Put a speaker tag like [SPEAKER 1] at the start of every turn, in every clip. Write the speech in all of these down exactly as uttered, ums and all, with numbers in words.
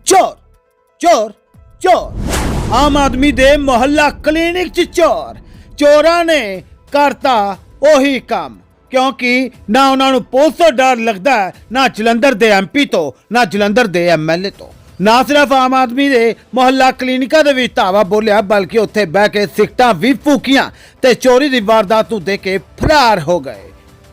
[SPEAKER 1] ਚੋਰ ਚੋਰ ਚੋਰ ਆਮ ਆਦਮੀ ਦੇ ਮੁਹੱਲਾ ਕਲੀਨਿਕ 'ਚ ਚੋਰ ਚੋਰਾਂ ਨੇ ਕਰਤਾ ਉਹੀ ਕੰਮ ਕਿਉਂਕਿ ਨਾ ਉਹਨਾਂ ਨੂੰ ਪੁਲਿਸ ਤੋਂ ਡਰ ਲੱਗਦਾ ਹੈ, ਨਾ ਜਲੰਧਰ ਦੇ ਐਮਪੀ ਤੋਂ, ਨਾ ਜਲੰਧਰ ਦੇ ਐਮਐਲਏ ਤੋਂ। ਨਾ ਸਿਰਫ ਆਮ ਆਦਮੀ ਦੇ ਮੁਹੱਲਾ ਕਲੀਨਿਕਾਂ ਦੇ ਵਿੱਚ ਧਾਵਾ ਬੋਲਿਆ ਬਲਕਿ ਉੱਥੇ ਬਹਿ ਕੇ ਸਿਗਟਾਂ ਵੀ ਫੂਕੀਆਂ ਤੇ ਚੋਰੀ ਦੀ ਵਾਰਦਾਤ ਨੂੰ ਦੇਖ ਕੇ ਫਰਾਰ ਹੋ ਗਏ।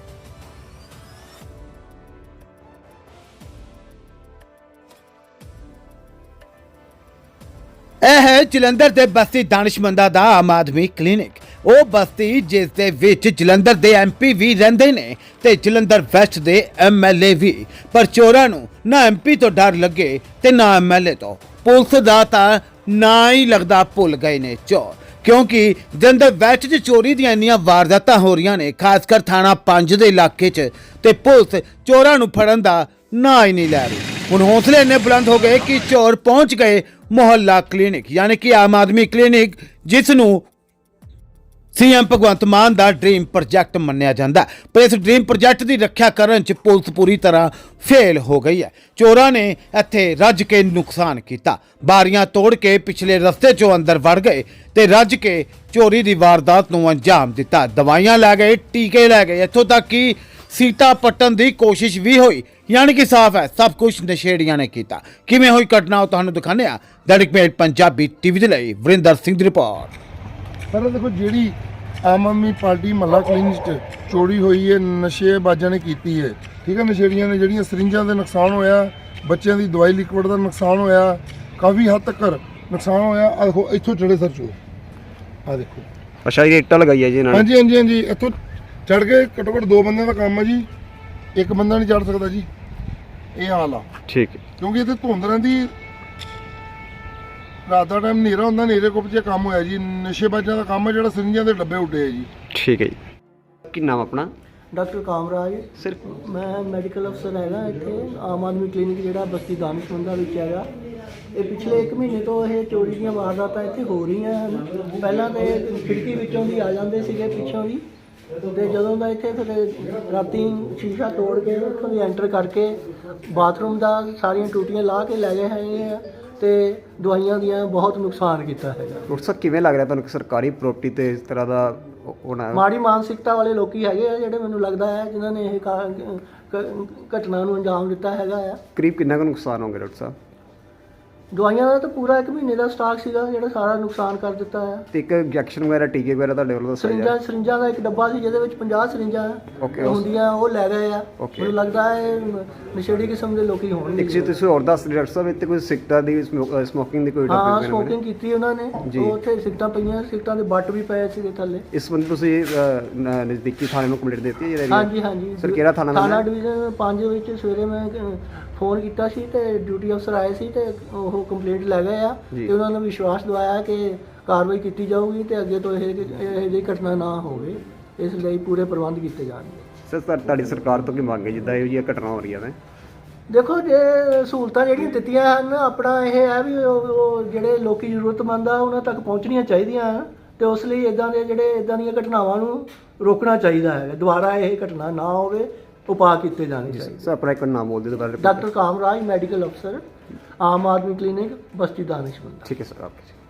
[SPEAKER 1] ਇਹ ਹੈ ਜਲੰਧਰ ਦੇ ਬਸਤੀ ਦਾਨਿਸ਼ਮੰਦਾ ਦਾ ਆਮ ਆਦਮੀ ਕਲੀਨਿਕ। ਉਹ ਬਸਤੀ ਜਿਸ ਦੇ ਵਿੱਚ ਜਲੰਧਰ ਦੇ ਐਮਪੀ ਵੀ ਰਹਿੰਦੇ ਨੇ ਤੇ ਜਲੰਧਰ ਵੈਸਟ ਦੇ ਐਮਐਲਏ ਵੀ। ਪਰ ਚੋਰਾਂ ਨੂੰ ਨਾ ਐਮਪੀ ਤੋਂ ਡਰ ਲੱਗੇ ਤੇ ਨਾ ਐਮਐਲਏ ਤੋਂ। ਪੁਲਿਸ ਦਾ ਤਾਂ ਨਾ ਹੀ ਲੱਗਦਾ ਭੁੱਲ ਗਏ ਨੇ ਚੋਰ, ਕਿਉਂਕਿ ਜਲੰਧਰ ਵੈਸਟ 'ਚ ਚੋਰੀ ਦੀਆਂ ਇੰਨੀਆਂ ਵਾਰਦਾਤਾਂ ਹੋ ਰਹੀਆਂ ਨੇ, ਖਾਸ ਕਰ ਥਾਣਾ ਪੰਜ ਦੇ ਇਲਾਕੇ 'ਚ, ਤੇ ਪੁਲਿਸ ਚੋਰਾਂ ਨੂੰ ਫੜਨ ਦਾ ਨਾ ਹੀ ਨਹੀਂ ਲੈ ਰਹੀ। ਹੁਣ ਹੌਸਲੇ ਇੰਨੇ ਬੁਲੰਦ ਹੋ ਗਏ ਕਿ ਚੋਰ ਪਹੁੰਚ ਗਏ ਮੁਹੱਲਾ ਕਲੀਨਿਕ, ਯਾਨੀ ਕਿ ਆਮ ਆਦਮੀ ਕਲੀਨਿਕ, ਜਿਸ ਨੂੰ ਸੀਐਮ ਭਗਵੰਤ ਮਾਨ ਦਾ ਡ੍ਰੀਮ ਪ੍ਰੋਜੈਕਟ ਮੰਨਿਆ ਜਾਂਦਾ। ਪਰ ਇਸ ਡ੍ਰੀਮ ਪ੍ਰੋਜੈਕਟ ਦੀ ਰੱਖਿਆ ਕਰਨ 'ਚ ਪੁਲਿਸ ਪੂਰੀ ਤਰ੍ਹਾਂ ਫੇਲ ਹੋ ਗਈ ਹੈ। ਚੋਰਾਂ ਨੇ ਇੱਥੇ ਰੱਜ ਕੇ ਨੁਕਸਾਨ ਕੀਤਾ, ਬਾਰੀਆਂ ਤੋੜ ਕੇ ਪਿਛਲੇ ਰਸਤੇ 'ਚੋਂ ਅੰਦਰ ਵੜ ਗਏ ਤੇ ਰੱਜ ਕੇ ਚੋਰੀ ਦੀ ਵਾਰਦਾਤ ਨੂੰ ਅੰਜਾਮ ਦਿੱਤਾ। ਦਵਾਈਆਂ ਲੈ ਗਏ, ਟੀਕੇ ਲੈ ਗਏ, ਇੱਥੋਂ ਤੱਕ ਕਿ ਸੀਟਾਂ ਪੱਟਣ ਦੀ ਕੋਸ਼ਿਸ਼ ਵੀ ਹੋਈ। ਯਾਨੀ ਕਿ ਸਾਫ਼ ਹੈ ਸਭ ਕੁਝ ਨਸ਼ੇੜੀਆਂ ਨੇ ਕੀਤਾ। ਕਿਵੇਂ ਹੋਈ ਘਟਨਾ ਉਹ ਤੁਹਾਨੂੰ ਦਿਖਾਉਂਦੇ ਹਾਂ। ਦੈਨਿਕ ਮੇਲ ਪੰਜਾਬੀ ਟੀਵੀ ਦੇ ਲਈ ਵਰਿੰਦਰ ਸਿੰਘ ਦੀ ਰਿਪੋਰਟ।
[SPEAKER 2] ਸਰ ਦੇਖੋ, ਜਿਹੜੀ ਆਮ ਆਦਮੀ ਪਾਰਟੀ ਮਹੱਲਾ ਕਲੀਨਿਕ 'ਚ ਚੋਰੀ ਹੋਈ ਹੈ, ਨਸ਼ੇਬਾਜ਼ਾਂ ਨੇ ਕੀਤੀ ਹੈ, ਠੀਕ ਹੈ। ਨਸ਼ੇੜੀਆਂ ਨੇ ਜਿਹੜੀਆਂ ਸਰਿੰਜਾਂ ਦੇ ਨੁਕਸਾਨ ਹੋਇਆ, ਬੱਚਿਆਂ ਦੀ ਦਵਾਈ ਲਿਕਵਿਡ ਦਾ ਨੁਕਸਾਨ ਹੋਇਆ, ਕਾਫੀ ਹੱਦ ਤੱਕ ਨੁਕਸਾਨ ਹੋਇਆ। ਆ ਦੇਖੋ ਇੱਥੋਂ ਚੜੇ ਸਰ ਚੋ, ਆ ਦੇਖੋ।
[SPEAKER 3] ਅੱਛਾ ਜੀ, ਇੱਟਾਂ ਲਗਾਈ ਹੈ ਜੀ ਇਹਨਾਂ ਨੇ।
[SPEAKER 2] ਹਾਂਜੀ ਹਾਂਜੀ ਹਾਂਜੀ, ਇੱਥੋਂ ਚੜ ਕੇ ਘੱਟੋ ਘੱਟ ਦੋ ਬੰਦਿਆਂ ਦਾ ਕੰਮ ਹੈ ਜੀ, ਇੱਕ ਬੰਦਾ ਨਹੀਂ ਚੜ ਸਕਦਾ ਜੀ। ਇਹ ਹਾਲ ਆ,
[SPEAKER 3] ਠੀਕ ਹੈ।
[SPEAKER 2] ਕਿਉਂਕਿ ਇੱਥੇ ਧੁੰਦ ਰਹਿੰਦੀ, ਰਾਤ ਦਾ ਟਾਈਮ ਹਨੇਰਾ ਹੁੰਦਾ, ਹਨੇਰੇ ਕੁੱਪ 'ਚ ਕੰਮ ਹੋਇਆ ਜੀ। ਨਸ਼ੇਬਾਜ਼ਾਂ ਦਾ ਕੰਮ ਹੈ ਜਿਹੜਾ ਸਰਿੰਜਾਂ ਦੇ ਡੱਬੇ ਉੱਡੇ ਆ ਜੀ।
[SPEAKER 3] ਠੀਕ ਹੈ ਜੀ। ਕੀ ਨਾਮ ਆਪਣਾ?
[SPEAKER 4] ਡਾਕਟਰ ਕਾਮਰਾਜ।
[SPEAKER 3] ਸਿਰਫ
[SPEAKER 4] ਮੈਂ ਮੈਡੀਕਲ ਅਫਸਰ ਹੈਗਾ ਇੱਥੇ ਆਮ ਆਦਮੀ ਕਲੀਨਿਕ ਜਿਹੜਾ ਬਸਤੀ ਦਾਨਿਸ਼ਮੰਦਾ ਵਿੱਚ ਹੈਗਾ। ਇਹ ਪਿਛਲੇ ਇੱਕ ਮਹੀਨੇ ਤੋਂ ਇਹ ਚੋਰੀ ਦੀਆਂ ਵਾਰਦਾਤਾਂ ਇੱਥੇ ਹੋ ਰਹੀਆਂ ਹਨ। ਪਹਿਲਾਂ ਤਾਂ ਖਿੜਕੀ ਵਿੱਚੋਂ ਦੀ ਆ ਜਾਂਦੇ ਸੀਗੇ, ਪਿੱਛੋਂ ਦੀ, ਤੇ ਜਦੋਂ ਦਾ ਇੱਥੇ ਫਿਰ ਰਾਤੀ ਸ਼ੀਸ਼ਾ ਤੋੜ ਕੇ ਉੱਥੋਂ ਦੀ ਐਂਟਰ ਕਰਕੇ ਬਾਥਰੂਮ ਦਾ ਸਾਰੀਆਂ ਟੂਟੀਆਂ ਲਾ ਕੇ ਲੈ ਗਏ ਹੈਗੇ ਆ ਤੇ ਦਵਾਈਆਂ ਦੀਆਂ ਬਹੁਤ ਨੁਕਸਾਨ ਕੀਤਾ ਹੈਗਾ।
[SPEAKER 3] ਡਾਕਟਰ ਸਾਹਿਬ ਕਿਵੇਂ ਲੱਗ ਰਿਹਾ ਤੁਹਾਨੂੰ ਕਿ ਸਰਕਾਰੀ ਪ੍ਰਾਪਰਟੀ ਤੇ ਇਸ ਤਰ੍ਹਾਂ ਦਾ ਹੋਣਾ?
[SPEAKER 4] ਮਾੜੀ ਮਾਨਸਿਕਤਾ ਵਾਲੇ ਲੋਕੀ ਹੈਗੇ ਆ ਜਿਹੜੇ, ਮੈਨੂੰ ਲੱਗਦਾ ਹੈ, ਜਿਨ੍ਹਾਂ ਨੇ ਇਹ ਕਾ- ਕ- ਘਟਨਾ ਨੂੰ ਅੰਜਾਮ ਦਿੱਤਾ ਹੈਗਾ ਆ।
[SPEAKER 3] ਕਰੀਬ ਕਿੰਨਾ ਕੁ ਨੁਕਸਾਨ ਹੋਊਗਾ ਡਾਕਟਰ ਸਾਹਿਬ?
[SPEAKER 4] ਦਵਾਈਆਂ ਦਾ ਤਾਂ ਪੂਰਾ ਇੱਕ ਮਹੀਨੇ ਦਾ ਸਟਾਕ ਸੀਗਾ ਜਿਹੜਾ ਸਾਰਾ ਨੁਕਸਾਨ ਕਰ ਦਿੱਤਾ ਹੈ।
[SPEAKER 3] ਤੇ ਇੱਕ ਇੰਜੈਕਸ਼ਨ ਵਗੈਰਾ, ਟੀਕੇ ਵਗੈਰਾ ਤੁਹਾਡੇ ਵੱਲੋਂ ਦੱਸਿਆ
[SPEAKER 4] ਸਰਿੰਜਾਂ ਸਰਿੰਜਾਂ ਦਾ ਇੱਕ ਡੱਬਾ ਸੀ ਜਿਹਦੇ ਵਿੱਚ ਪੰਜਾਹ ਸਰਿੰਜਾਂ
[SPEAKER 3] Okay,
[SPEAKER 4] ਹੁੰਦੀਆਂ, ਉਹ ਲੈ ਗਏ ਆ।
[SPEAKER 3] Okay.
[SPEAKER 4] ਮੈਨੂੰ ਲੱਗਦਾ ਹੈ ਨਸ਼ੇੜੀ ਕਿਸਮ ਦੇ ਲੋਕੀ ਹੋਣਗੇ।
[SPEAKER 3] ਇੱਕ ਚੀਜ਼ ਤੁਸੀਂ ਹੋਰ ਦੱਸ ਰਹੇ ਡਾਕਟਰ ਸਾਹਿਬ, ਇੱਥੇ ਕੋਈ ਸਿਗਰਟਾਂ ਦੀ ਸਮੋਕਿੰਗ ਦੀ ਕੋਈ
[SPEAKER 4] ਹਾਂ,
[SPEAKER 3] ਟੌਪਿਕ
[SPEAKER 4] ਸਮੋਕਿੰਗ ਕੀਤੀ ਉਹਨਾਂ ਨੇ।
[SPEAKER 3] ਜੀ।
[SPEAKER 4] ਉਹ ਉੱਥੇ ਸਿਗਟਾਂ ਪਈਆਂ, ਸਿਗਟਾਂ ਦੇ ਬੱਟ ਵੀ ਪਏ ਸੀਗੇ ਥੱਲੇ।
[SPEAKER 3] ਇਸ ਸੰਬੰਧੀ ਤੁਸੀਂ ਅਹ, ਨ- ਨਜ਼ਦੀਕੀ ਥਾਣੇ ਨੂੰ ਕੰਪਲੀਟ ਦਿੱਤੀ ਹੈ ਜਿਹੜਾ
[SPEAKER 4] ਹਾਂਜੀ ਹਾਂਜੀ।
[SPEAKER 3] ਸਰ ਕਿਹੜਾ ਥਾਣਾ
[SPEAKER 4] ਥਾਣਾ
[SPEAKER 3] ਨਾਮ ਹੈ?
[SPEAKER 4] ਡਿਵੀਜ਼ਨ ਪੰਜ ਵਿੱਚ ਸਵੇਰੇ ਮੈਂ ਅ, ਫੋਨ ਕੀਤਾ ਸੀ ਤੇ ਡਿਊਟੀ ਅਫਸਰ ਆਏ ਸੀ ਤੇ ਉਹ ਕੰਪਲੇਂਟ ਲੈ ਗਏ ਆ
[SPEAKER 3] ਜੀ।
[SPEAKER 4] ਤੇ ਉਹਨਾਂ ਨੇ ਵਿਸ਼ਵਾਸ ਦਿਵਾਇਆ ਕਿ ਕਾਰਵਾਈ ਕੀਤੀ ਜਾਊਗੀ ਤੇ ਅੱਗੇ ਤੋਂ ਇਹ ਇਹ ਜਿਹੀ ਘਟਨਾ ਨਾ ਹੋਵੇ, ਇਸ ਲਈ ਪੂਰੇ ਪ੍ਰਬੰਧ ਕੀਤੇ ਜਾਣਗੇ।
[SPEAKER 3] ਸਰ ਸਰ ਤੁਹਾਡੀ ਸਰਕਾਰ ਤੋਂ ਕੀ ਮੰਗ ਹੈ ਜਿੱਦਾਂ ਇਹੋ ਜਿਹੀਆਂ ਘਟਨਾ ਹੋ ਰਹੀਆਂ ਨੇ?
[SPEAKER 4] ਦੇਖੋ, ਜੇ ਸਹੂਲਤਾਂ ਜਿਹੜੀਆਂ ਦਿੱਤੀਆਂ ਹਨ, ਆਪਣਾ ਇਹ ਹੈ ਵੀ ਉਹ ਉਹ ਜਿਹੜੇ ਲੋਕੀ ਜ਼ਰੂਰਤਮੰਦ ਆ ਉਹਨਾਂ ਤੱਕ ਪਹੁੰਚਣੀਆਂ ਚਾਹੀਦੀਆਂ ਹਨ ਤੇ ਉਸ ਲਈ ਇਦਾਂ ਦੇ ਜਿਹੜੇ ਇਦਾਂ ਦੀਆਂ ਘਟਨਾਵਾਂ ਨੂੰ ਰੋਕਣਾ ਚਾਹੀਦਾ ਹੈ। ਦੁਬਾਰਾ ਇਹ ਘਟਨਾ ਨਾ ਹੋਵੇ, ਉਪਾਅ ਕੀਤੇ ਜਾਣੇ ਚਾਹੀਦੇ।
[SPEAKER 3] ਸਰ ਆਪਣਾ ਇੱਕ ਨਾਮ ਬੋਲ ਦਿਓ ਦੁਬਾਰਾ।
[SPEAKER 4] ਡਾਕਟਰ ਕਾਮਰਾਜ, ਮੈਡੀਕਲ ਅਫਸਰ, ਆਮ ਆਦਮੀ ਕਲੀਨਿਕ, ਬਸਤੀ ਦਾਨਿਸ਼ਮੰਦ।
[SPEAKER 3] ਠੀਕ ਹੈ ਸਰ, ਆਪਕੇ